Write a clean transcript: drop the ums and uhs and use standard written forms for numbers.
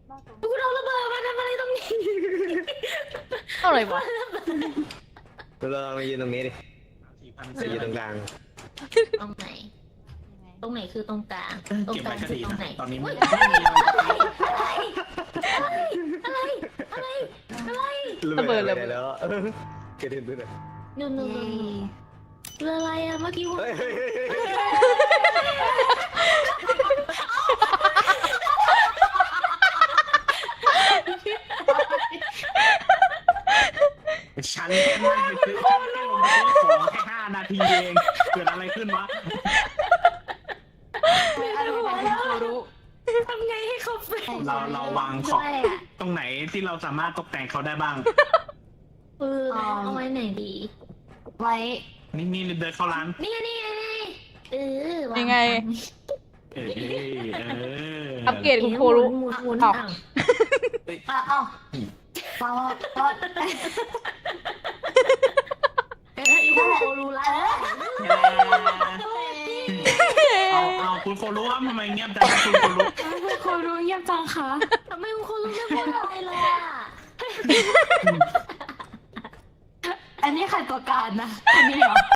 กูเอาระเบิดมาทำอะไรตรงนี้อะไรวะเรามายืนตรงนี้ดิจะยืนตรงกลางตรงไหน ตรงไหนคือตรงกลางตรงเก็บกลาไว้งก็คือดีตรงนะไหนตอนนี้ไม่อะไรมีอะไรจะไประเบิดเลยแล้วกระเด็นไปเลยนู่นเรืออะไรอะเมื่อกี้ว่าเฮ้ยฉันแค่นั่งไปซื้อฉันแค่ลงไปซื้อของแค่5 นาทีเองเกิดอะไรขึ้นวะทำไงให้เขาเป็นเราวางของตรงไหนที่เราสามารถตกแต่งเขาได้บ้างเอาไว้ไหนดีไว้นี่เดินเข้าร้านนี่วายังไงเอออัปเกรดคุณครูรู้หมุนอ้าวเอ้าฟังว่าคุณครูรู้แล้วเอาคุณโครู้ว่าทำไมเงียบจังคุณโครู้ครูรู้เงียบจังคะทำไมคุณครูรู้ไม่พูดอะไรเลยอะอันนี้ใครตัวการนะคนนี้เหรอ